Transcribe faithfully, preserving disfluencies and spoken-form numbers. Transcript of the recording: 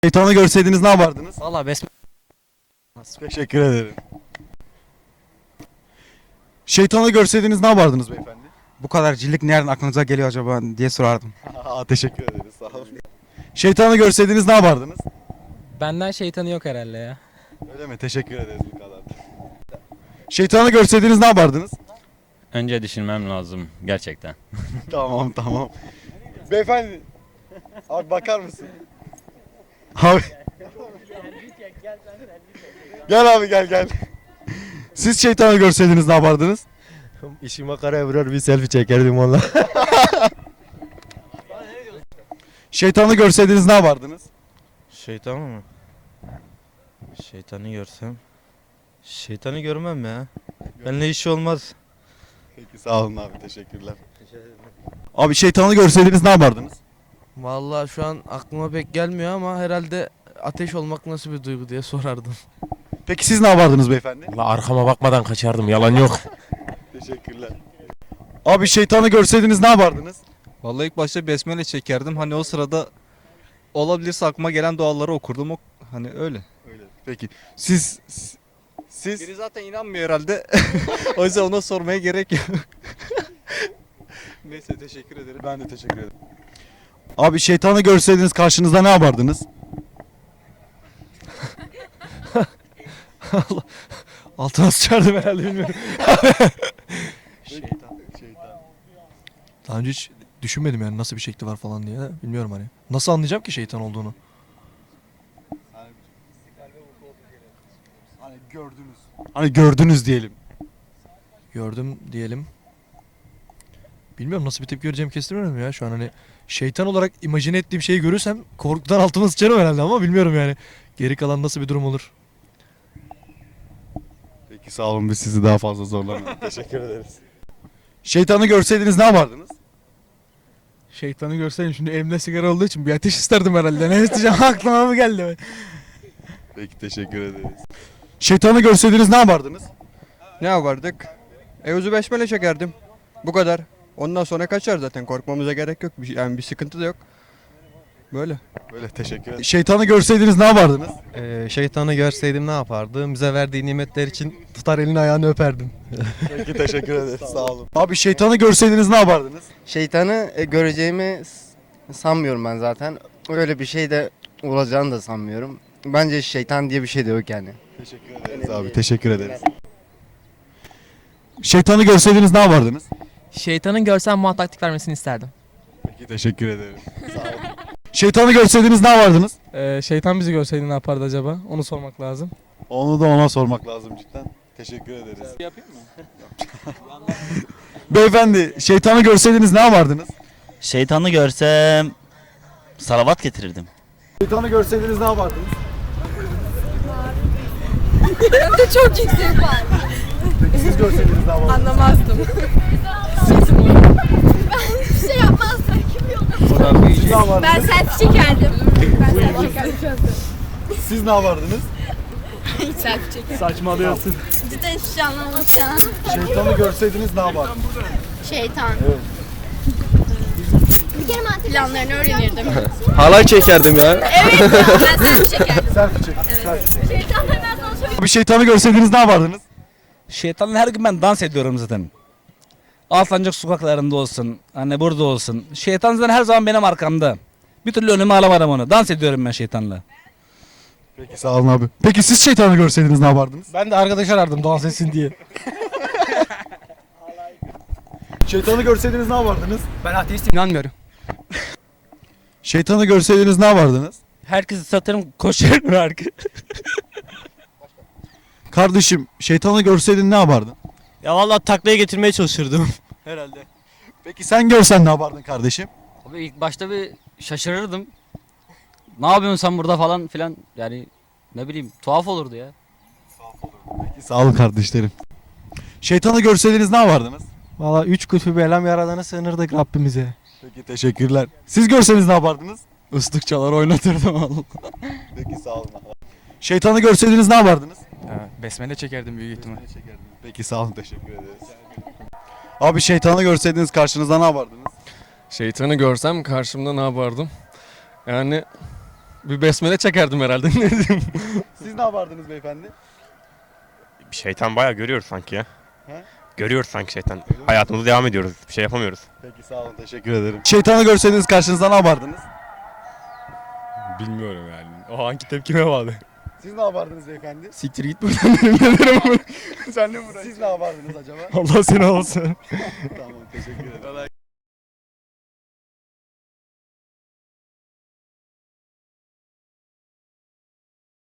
Şeytanı görseydiniz ne yapardınız? Valla besme... Teşekkür ederim. Şeytanı görseydiniz ne yapardınız beyefendi? Bu kadar cillik nereden aklınıza geliyor acaba diye sorardım. Aa, teşekkür ederiz, sağ olun. Şeytanı görseydiniz ne yapardınız? Benden şeytanı yok herhalde ya. Öyle mi? Teşekkür ederiz bu kadar. Şeytanı görseydiniz ne yapardınız? Önce düşünmem lazım gerçekten. Tamam tamam. Beyefendi. Abi bakar mısın? Abi. Gel abi gel gel. Siz şeytanı görseydiniz ne yapardınız? İşi makaraya vurar bir selfie çekerdim onunla. Şeytanı görseydiniz ne yapardınız? Şeytan mı? Şeytanı görsem. Şeytanı görmem ya. Benimle işi olmaz. Peki sağ olun abi, teşekkürler. Abi şeytanı görseydiniz ne yapardınız? Vallahi şu an aklıma pek gelmiyor ama herhalde ateş olmak nasıl bir duygu diye sorardım. Peki siz ne yapardınız beyefendi? La arkama bakmadan kaçardım, yalan yok. Teşekkürler. Abi şeytanı görseydiniz ne yapardınız? Vallahi ilk başta besmele çekerdim. Hani o sırada olabilirse aklıma gelen duaları okurdum. O, hani öyle. Öyle. Peki siz siz Biri zaten inanmıyor herhalde. O yüzden ona sormaya gerek yok. Neyse teşekkür ederim. Ben de teşekkür ederim. Abi şeytanı görseydiniz karşınızda ne yapardınız? Altına sıçardım herhalde, bilmiyorum. Şeytan, şeytan. Daha önce hiç düşünmedim yani nasıl bir şekli var falan diye. Bilmiyorum hani. Nasıl anlayacağım ki şeytan olduğunu? Hani gördünüz. Hani gördünüz diyelim. Gördüm diyelim. Bilmiyorum nasıl bir tepki göreceğimi kestirmiyorum ya şu an hani. Şeytan olarak imajine ettiğim şeyi görürsem korkudan altıma sıçarım herhalde ama bilmiyorum yani. Geri kalan nasıl bir durum olur? Peki sağ olun, biz sizi daha fazla zorlamayalım. Teşekkür ederiz. Şeytanı görseydiniz ne yapardınız? Şeytanı görseydim şimdi elimde sigara olduğu için bir ateş isterdim herhalde. Ne isteyeceğim aklıma mı geldi? Peki teşekkür ederiz. Şeytanı görseydiniz ne yapardınız? Ne yapardık? Evuzu besmele çekerdim. Bu kadar. Ondan sonra kaçar zaten. Korkmamıza gerek yok. Bir, yani bir sıkıntı da yok. Böyle. Böyle teşekkür ederim. Şeytanı görseydiniz ne yapardınız? Ee, şeytanı görseydim ne yapardım? Bize verdiği nimetler için tutar elini ayağını öperdim. Peki teşekkür ederiz, sağ olun. Abi şeytanı görseydiniz ne yapardınız? Şeytanı e, göreceğimi s- sanmıyorum ben zaten. Öyle bir şey de olacağını da sanmıyorum. Bence şeytan diye bir şey de yok yani. Teşekkür ederiz abi, teşekkür ederiz. Şeytanı görseydiniz ne yapardınız? Şeytanın görsem bana taktik vermesini isterdim. Peki teşekkür ederim. Sağ olun. Şeytanı görseydiniz ne yapardınız? Ee, şeytan bizi görseydi ne yapardı acaba? Onu sormak lazım. Onu da ona sormak lazım cidden. Teşekkür ederiz. Yapayım mı? Beyefendi, şeytanı görseydiniz ne yapardınız? Şeytanı görsem salavat getirirdim. Şeytanı görseydiniz ne yapardınız? Çok yüksek var. Peki siz görseydiniz ne yapardınız? Anlamazdım. Ben hiçbir şey yapmazdım. Siz ne yapardınız? Ben selfie çekerdim. Ben selfie çekerdim. Siz ne yapardınız? Hiç selfie çekerdim. Saçmalıyorsun. Cidden hiçbir şey anlamamış ya. Şeytanı görseydiniz ne yapardınız? Şeytan. Bir kere mantık planlarını öğrenirdim. Halay çekerdim ya. Evet ya, ben selfie çekerdim. Selfie çek. Şeytan hemen sana söyleyeyim. Bir şeytanı görseydiniz ne yapardınız? Şeytanla her gün ben dans ediyorum zaten. Alsancak sokaklarında olsun, hani burada olsun. Şeytan zaten her zaman benim arkamda. Bir türlü önüme alamadım onu. Dans ediyorum ben şeytanla. Peki sağ olun abi. Peki siz şeytanı görseydiniz ne yapardınız? Ben de arkadaş arardım dans etsin diye. Şeytanı görseydiniz ne yapardınız? Ben ateistim, inanmıyorum. Şeytanı görseydiniz ne yapardınız? Herkesi satarım, koşarım arka. Kardeşim, şeytanı görseydin ne yapardın? Ya vallahi taklaya getirmeye çalışırdım. Herhalde. Peki sen görsen ne yapardın kardeşim? Abi ilk başta bir şaşırırdım. Ne yapıyorsun sen burada falan filan, yani ne bileyim, tuhaf olurdu ya. Peki sağ olun kardeşlerim. Şeytanı görseydiniz ne yapardınız? Valla üç kutbu belam yaradana sığınırdık Rabbimize. Peki teşekkürler. Siz görseniz ne yapardınız? Islık çalar oynatırdım Allah. Peki sağ olun. Şeytanı görseydiniz ne yapardınız? Besmele çekerdim büyük ihtimal. Peki sağ olun, teşekkür ederiz. Abi şeytanı görseydiniz karşınızda ne yapardınız? Şeytanı görsem karşımda ne yapardım? Yani Bir besmele çekerdim herhalde. Ne diyeyim? Siz ne yapardınız beyefendi? Şeytan bayağı görüyoruz sanki ya. He? Görüyoruz sanki şeytan. Hayatımıza devam ediyoruz. Bir şey yapamıyoruz. Peki sağ olun, teşekkür ederim. Şeytanı görseydiniz karşınızda ne yapardınız? Bilmiyorum yani. O hangi tepkime bağlı. Siz ne yapardınız beyefendi? Siktir git buradan derim ne derim ama. Sen ne Siz ne yapardınız acaba? Allah seni olsun. Tamam, teşekkür ederim.